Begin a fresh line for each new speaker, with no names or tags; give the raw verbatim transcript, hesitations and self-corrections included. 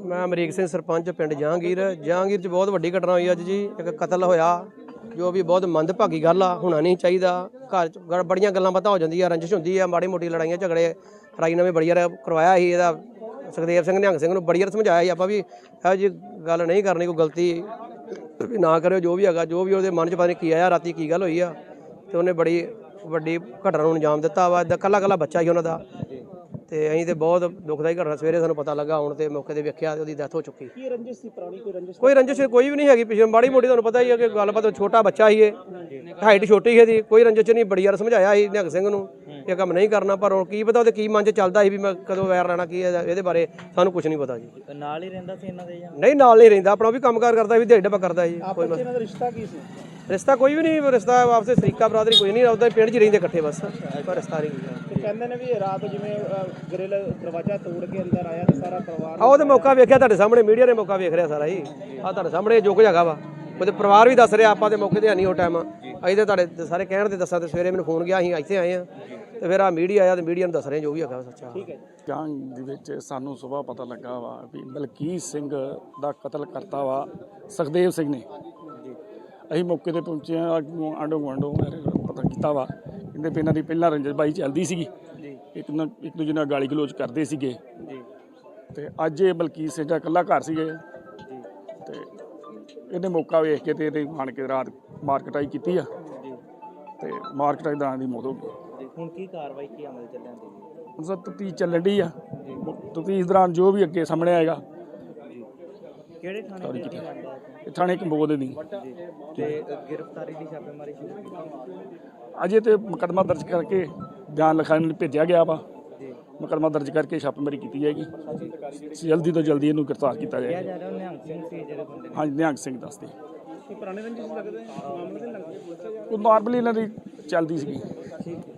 मैं अमरीक सिंह सरपंच पिंड जहांगीर जहांगीर च बहुत वड्डी घटना हुई अज जी। एक कतल होया जो भी बहुत मंदभागी गल आ, होना नहीं चाहिए। घर च बड़ियां गल्लां बातां हो जांदियां, रंजिश हुंदी है, माड़ी मोटी लड़ाइयां झगड़े राई ने भी बड़ी बार करवाया ही। इहदा सुखदेव सिंह निहंग सिंह नूं बड़ी बार समझाया ही, आपां भी इहो जी गल नहीं करनी, कोई गलती भी ना करो। जो भी हैगा, जो भी उहदे मन च पता नहीं की आया राती, की गल होई आ, ते उहने बड़ी ਵੱਡੀ ਘਟਨਾ ਨੂੰ ਅੰਜਾਮ ਦਿੱਤਾ ਵਾ। ਇਦਾਂ ਕੱਲਾ ਕੱਲਾ ਬੱਚਾ ਹੀ ਉਹਨਾਂ ਦਾ, ਤੇ ਅਸੀਂ ਤੇ ਬਹੁਤ ਦੁਖਦਾਈ ਘਟਨਾ ਸਵੇਰੇ ਸਾਨੂੰ ਪਤਾ ਲੱਗਾ, ਹੁਣ ਤੇ ਮੌਕੇ ਤੇ ਵੇਖਿਆ ਉਹਦੀ ਡੈਥ ਹੋ ਚੁੱਕੀ।
ਕੀ ਰੰਜਿਸ਼ ਸੀ ਪੁਰਾਣੀ? ਕੋਈ ਰੰਜਿਸ਼
ਕੋਈ ਰੰਜਿਸ਼ ਕੋਈ ਵੀ ਨਹੀਂ ਹੈਗੀ ਪਿਛੇ, ਮਾੜੀ ਮੋਟੀ ਤੁਹਾਨੂੰ ਪਤਾ ਹੀ ਹੈ ਕਿ ਗੱਲਬਾਤ, ਛੋਟਾ ਬੱਚਾ ਹੀ ਇਹ, ਹਾਈਟ ਛੋਟੀ ਸੀ ਇਹਦੀ, ਕੋਈ ਰੰਜਿਸ਼ ਨਹੀਂ। ਬੜੀ ਵਾਰ ਸਮਝਾਇਆ ਸੀ ਨਿਹੰਗ ਸਿੰਘ ਨੂੰ ਇਹ ਕੰਮ ਨਹੀਂ ਕਰਨਾ, ਪਰ ਹੁਣ ਕੀ ਪਤਾ ਉਹਦੇ ਕੀ ਮਨ 'ਚ ਚੱਲਦਾ ਸੀ ਵੀ ਮੈਂ ਕਦੋਂ ਵੈਰ ਲੈਣਾ, ਕੀ ਇਹਦੇ ਬਾਰੇ ਸਾਨੂੰ ਕੁਝ ਨਹੀਂ ਪਤਾ ਜੀ।
ਨਾਲ ਹੀ ਰਹਿੰਦਾ ਸੀ ਇਹਨਾਂ ਦੇ ਜਾਂ
ਨਹੀਂ? ਨਾਲ ਨਹੀਂ ਰਹਿੰਦਾ, ਆਪਣਾ ਵੀ ਕੰਮਕਾਰ ਕਰਦਾ, ਵੀ ਦਿਹਾੜੀ ਡੱਬਾ ਕਰਦਾ ਜੀ। ਕੋਈ
ਆਪਸ ਇਹਨਾਂ ਦਾ ਰਿਸ਼ਤਾ ਕੀ ਸੀ?
ਰਿਸ਼ਤਾ ਕੋਈ ਵੀ ਨਹੀਂ, ਰਿਸ਼ਤਾ ਆਪਸੇ ਸਰੀਕਾ ਬਰਾਦਰੀ ਕੋਈ ਨਹੀਂ, ਉਹਦਾ ਪਿੰਡ 'ਚ ਰਹਿੰਦੇ ਇਕੱਠੇ ਬਸ, ਪਰ ਰਿਸ਼ਤਾ ਨਹੀਂ।
ਤੇ ਕਹਿੰਦੇ ਨੇ ਵੀ ਰਾਤ ਜਿਵੇਂ ਗ੍ਰਿਲ ਦਰਵਾਜ਼ਾ ਤੋੜ ਕੇ ਅੰਦਰ ਆਇਆ ਤੇ ਸਾਰਾ ਪਰਿਵਾਰ
ਆ ਉਹਦੇ ਮੌਕਾ ਵੇਖਿਆ ਤੁਹਾਡੇ ਸਾਹਮਣੇ, ਮੀਡੀਆ ਨੇ ਮੌਕਾ ਵੇਖ ਰਿਹਾ ਸਾਰਾ ਹੀ, ਆ ਤੁਹਾਡੇ ਸਾਹਮਣੇ ਜੋ ਕੁਝ ਹੈਗਾ ਵਾ। ਉਹਦੇ ਪਰਿਵਾਰ ਵੀ ਦੱਸ ਰਿਹਾ, ਆਪਾਂ ਦੇ ਮੌਕੇ ਤੇ ਹੈ ਨਹੀਂ ਉਹ ਟਾਈਮ, ਅਸੀਂ ਤਾਂ ਤੁਹਾਡੇ ਸਾਰੇ ਕਹਿਣ ਤੇ ਦੱਸਾਂ, ਤੇ ਸਵੇਰੇ ਮੈਨੂੰ ਫੋਨ ਗਿਆ, ਅਸੀਂ ਇੱਥੇ ਆਏ ਆ, ਤੇ ਫਿਰ ਆ ਮੀਡੀਆ ਆਇਆ ਤੇ ਮੀਡੀਆ ਨੂੰ ਦੱਸ ਰਹੇ ਜੋ ਵੀ ਹੈਗਾ ਸੱਚਾ।
ਠੀਕ ਹੈ।
ਜਾਂਗ ਦੇ ਵਿੱਚ ਸਾਨੂੰ ਸੁਬਾਹ ਪਤਾ ਲੱਗਾ ਵਾ ਵੀ ਬਲਕੀਤ ਸਿੰਘ ਦਾ ਕਤਲ ਕਰਤਾ ਵਾ ਸੁਖਦੇਵ ਸਿੰਘ ਨੇ। ਅਸੀਂ ਮੌਕੇ ਤੇ ਪਹੁੰਚੇ ਹਾਂ, ਆਂਢੋ ਗੁਆਂਢੋਂ ਪਤਾ ਕੀਤਾ ਵਾ, ਕਹਿੰਦੇ ਵੀ ਇਹਨਾਂ ਦੀ ਪਹਿਲਾਂ ਰੰਜਨ ਬਾਈ ਚੱਲਦੀ ਸੀਗੀ, ਇੱਕ ਨਾ ਇੱਕ ਦੂਜੇ ਨਾਲ ਗਾਲੀ ਗਲੋਚ ਕਰਦੇ ਸੀਗੇ, ਤੇ ਅੱਜ ਇਹ ਬਲਕੀਤ ਸਿੰਘ ਦਾ ਇਕੱਲਾ ਘਰ ਸੀਗੇ, ਤੇ ਇਹਨੇ ਮੌਕਾ ਵੇਖ ਕੇ ਤੇ ਇਹਦੇ ਆਣ ਕੇ ਰਾਤ ਮਾਰਕਟਾਈ ਕੀਤੀ ਆ, ਤੇ ਮਾਰਕਟਾਈ ਦਾ ਦੀ ਮੌਤ ਹੋ ਗਈ।
ਹੁਣ ਕੀ ਕਾਰਵਾਈ, ਕੀ ਅਮਲ ਚੱਲਣ ਦੀ?
ਹੁਣ ਸਰ ਤਫਤੀਸ਼ ਚੱਲਣ ਡਈ ਆ, ਤਫਤੀਸ਼ ਦੌਰਾਨ ਜੋ ਵੀ ਅੱਗੇ ਸਾਹਮਣੇ ਆਏਗਾ।
ਕਿਹੜੇ ਥਾਣੇ ਦੇ?
ਇਹ ਥਾਣੇ ਕੰਬੋਦ ਦੀ
ਤੇ ਗ੍ਰਿਫਤਾਰੀ ਦੀ ਛਾਪੇਮਾਰੀ ਸ਼ੁਰੂ ਕੀਤੀ?
ਅਜੇ ਤੇ ਮੁਕੱਦਮਾ ਦਰਜ ਕਰਕੇ ਬਿਆਨ ਲਿਖਾਉਣ ਲਈ ਭੇਜਿਆ ਗਿਆ ਵਾ, ਮੁਕੱਦਮਾ ਦਰਜ ਕਰਕੇ ਛਾਪੇਮਾਰੀ ਕੀਤੀ ਜਾਏਗੀ, ਜਲਦੀ ਤੋਂ ਜਲਦੀ ਇਹਨੂੰ ਗ੍ਰਿਫਤਾਰ ਕੀਤਾ ਜਾਏਗਾ।
ਜਾ ਰਿਹਾ ਨਿਹੰਗ ਸਿੰਘ ਸੀ ਜਿਹੜੇ ਬੰਦੇ?
ਹਾਂਜੀ, ਨਿਹੰਗ ਸਿੰਘ ਦੱਸਦੇ
ਪੁਰਾਣੇ ਰੰਜਿਸ਼ ਲੱਗਦੇ ਮਾਮਲੇ ਦੇ ਲੱਗਦੇ
ਉਹ ਨਾਰਮਲੀ ਇਹਨਾਂ ਦੀ ਚੱਲਦੀ ਸੀਗੀ।